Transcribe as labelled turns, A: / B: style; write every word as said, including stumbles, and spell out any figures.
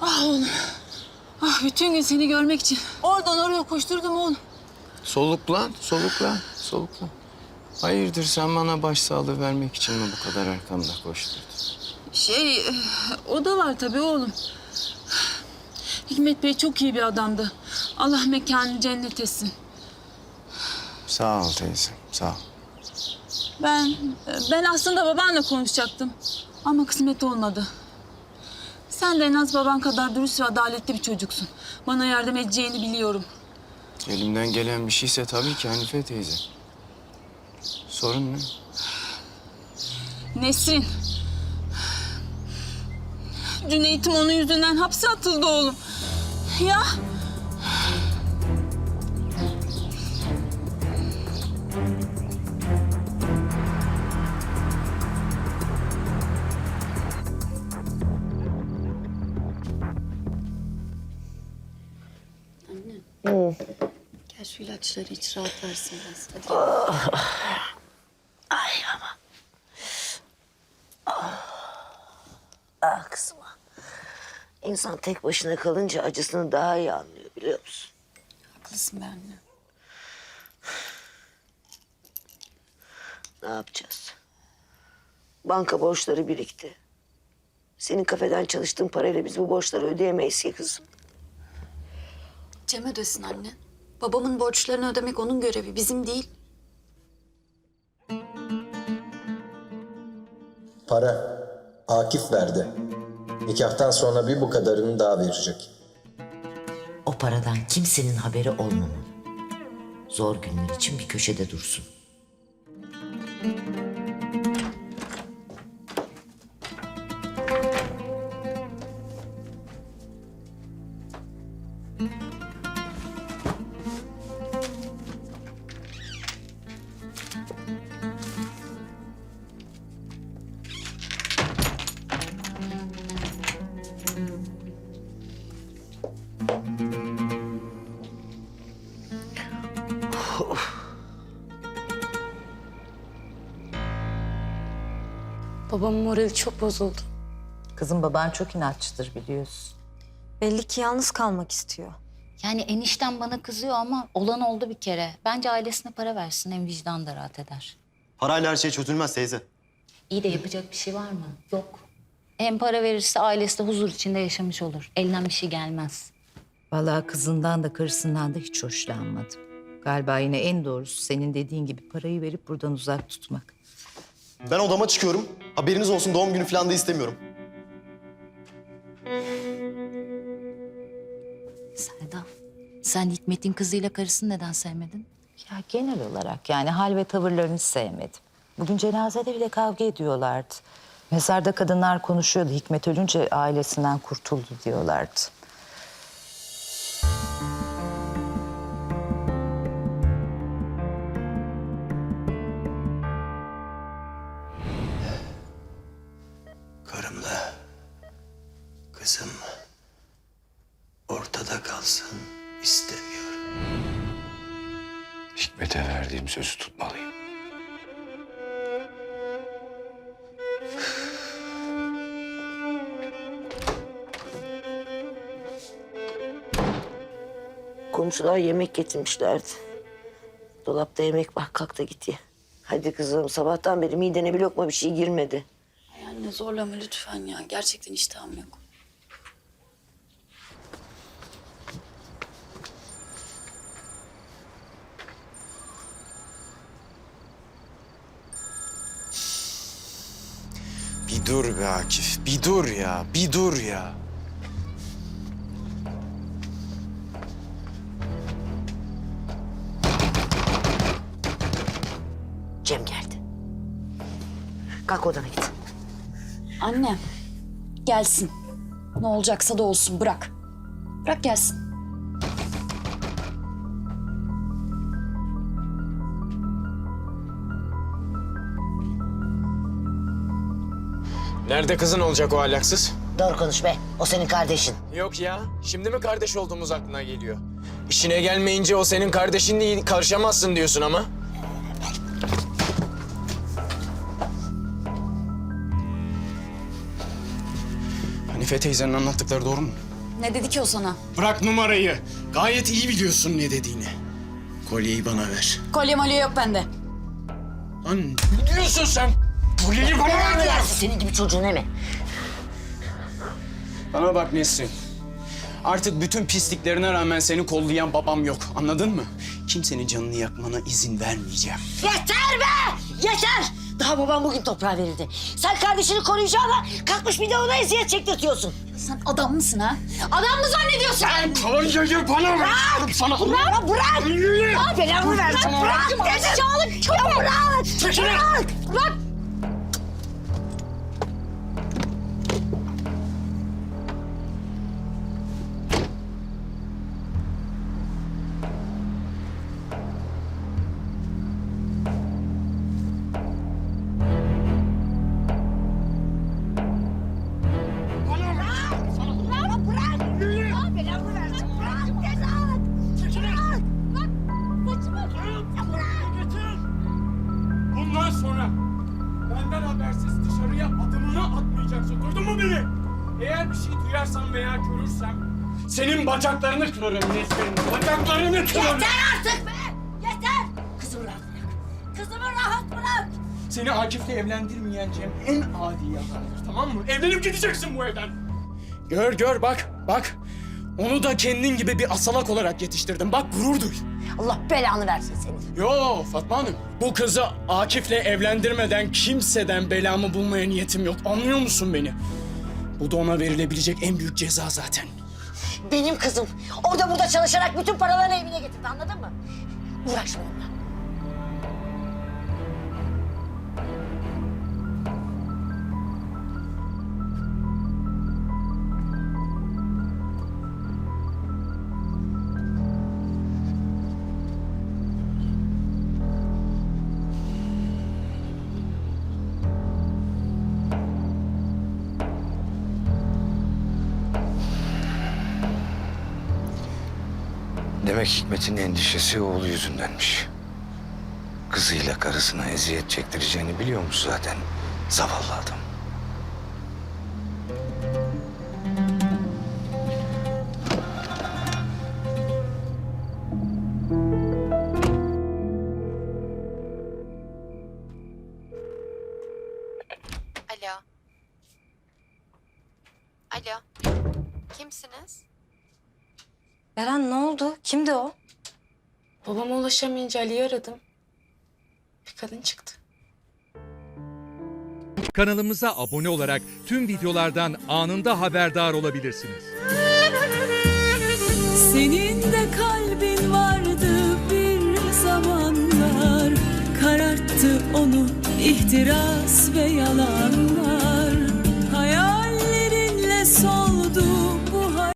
A: Ah oğlum. Ah bütün gün seni görmek için oradan oraya koşturdum oğlum.
B: Soluklan, soluklan, soluklan. Hayırdır sen bana başsağlığı vermek için mi bu kadar arkamda koşturdun?
A: Şey, o da var tabii oğlum. Hikmet Bey çok iyi bir adamdı. Allah mekanını cennet etsin.
B: Sağ ol teyzem, sağ ol.
A: Ben, ben aslında babanla konuşacaktım. Ama kısmet olmadı. Sen de en az baban kadar dürüst ve adaletli bir çocuksun. Bana yardım edeceğini biliyorum.
B: Elimden gelen bir şeyse tabii ki Hanife teyze. Sorun ne?
A: Nesrin. Cüneyt'im onun yüzünden hapse atıldı oğlum. Ya.
C: Hı. Gel şu ilaçları iç, rahat versin biraz. Hadi gel. Oh. Ay ama. Oh. Ah kızım. İnsan tek başına kalınca acısını daha iyi anlıyor biliyor musun?
A: Haklısın be anne.
C: Ne yapacağız? Banka borçları birikti. Senin kafeden çalıştığın parayla biz bu borçları ödeyemeyiz ki kızım.
D: Cem ödesin anne. Babamın borçlarını ödemek onun görevi, bizim değil.
E: Para. Akif verdi. Nikahtan sonra bir bu kadarını daha verecek.
F: O paradan kimsenin haberi olmamalı. Zor günler için bir köşede dursun.
D: Babamın morali çok bozuldu.
G: Kızım baban çok inatçıdır biliyorsun.
H: Belli ki yalnız kalmak istiyor.
I: Yani enişten bana kızıyor ama olan oldu bir kere. Bence ailesine para versin, hem vicdan da rahat eder.
J: Parayla her şey çözülmez teyze.
I: İyi de yapacak bir şey var mı? Yok. Hem para verirse ailesi de huzur içinde yaşamış olur. Elinden bir şey gelmez.
G: Vallahi kızından da karısından da hiç hoşlanmadım. Galiba yine en doğrusu senin dediğin gibi parayı verip buradan uzak tutmak.
J: Ben odama çıkıyorum. Haberiniz olsun, doğum günü falan da istemiyorum.
I: Selda, sen Hikmet'in kızıyla karısını neden sevmedin?
G: Ya genel olarak yani hal ve tavırlarını hiç sevmedim. Bugün cenazede bile kavga ediyorlardı. Mezarda kadınlar konuşuyordu. Hikmet ölünce ailesinden kurtuldu diyorlardı.
B: Karımla kızım ortada kalsın istemiyorum. Hikmet'e verdiğim sözü tutmalıyım.
C: Komşular yemek getirmişlerdi. Dolapta yemek var, kalk da git ye. Hadi kızım, sabahtan beri midene bir lokma bir şey girmedi.
D: Ay anne zorlama lütfen ya. Gerçekten iştahım yok.
B: Bir dur be Akif, bir dur ya, bir dur ya.
C: Cem geldi. Kalk odana git.
D: Anne, gelsin. Ne olacaksa da olsun, bırak. Bırak gelsin.
B: Nerede kızın olacak o ahlaksız?
F: Doğru konuş be. O senin kardeşin.
B: Yok ya, şimdi mi kardeş olduğumuz aklına geliyor? İşine gelmeyince o senin kardeşin değil, karışamazsın diyorsun ama. Hanife teyzenin anlattıkları doğru mu?
D: Ne dedi ki o sana?
B: Bırak numarayı. Gayet iyi biliyorsun ne dediğini. Kolyeyi bana ver.
D: Kolye molye yok bende.
B: Lan ne diyorsun sen? Kolyeyi bana ver diyorum.
C: Senin gibi çocuğun he mi?
B: Bana bak Nesrin. Artık bütün pisliklerine rağmen seni kollayan babam yok. Anladın mı? Kimsenin canını yakmana izin vermeyeceğim.
C: Yeter be! Yeter! Daha babam bugün toprağa verildi. Sen kardeşini koruyacağına kalkmış bir de ona eziyet çektirtiyorsun.
D: Sen adam mısın ha? Adam mı zannediyorsun?
B: Sen kolyeyi bana ver. Sana
C: Bırak! Bırak! Bırak! Belamı versin. Bırak! Bırak! Aşağılık köpek! Bırak! Bırak! Bırak!
B: Bundan sonra benden habersiz dışarıya adımını atmayacaksın. Duydun mu beni? Eğer bir şey duyarsam veya görürsem senin bacaklarını kırarım Nesrin. Bacaklarını kırarım.
C: Yeter artık be! Yeter! Kızımı rahat bırak. Kızımı rahat bırak.
B: Seni Akif'le evlendirmeyeceğim en adi yalandır, tamam mı? Evlenip gideceksin bu evden. Gör gör bak bak. Onu da kendin gibi bir asalak olarak yetiştirdim. Bak gurur duy.
C: Allah belanı versin seni.
B: Yo Fatma Hanım. Bu kızı Akif'le evlendirmeden kimseden belamı bulmaya niyetim yok. Anlıyor musun beni? Bu da ona verilebilecek en büyük ceza zaten.
C: Benim kızım orada burada çalışarak bütün paralarını evine getirdi, anladın mı? Uğraşma onunla.
K: Demek Hikmet'in endişesi oğlu yüzündenmiş. Kızıyla karısına eziyet çektireceğini biliyormuş zaten. Zavallı adam.
L: Alo. Alo. Kimsiniz?
H: Beren ne oldu? Kimdi o?
L: Babama ulaşamayınca Ali'yi aradım. Bir kadın çıktı.
M: Kanalımıza abone olarak tüm videolardan anında haberdar olabilirsiniz.
A: Senin de kalbin vardı bir zamanlar, kararttı onu ihtiras ve yalanlar.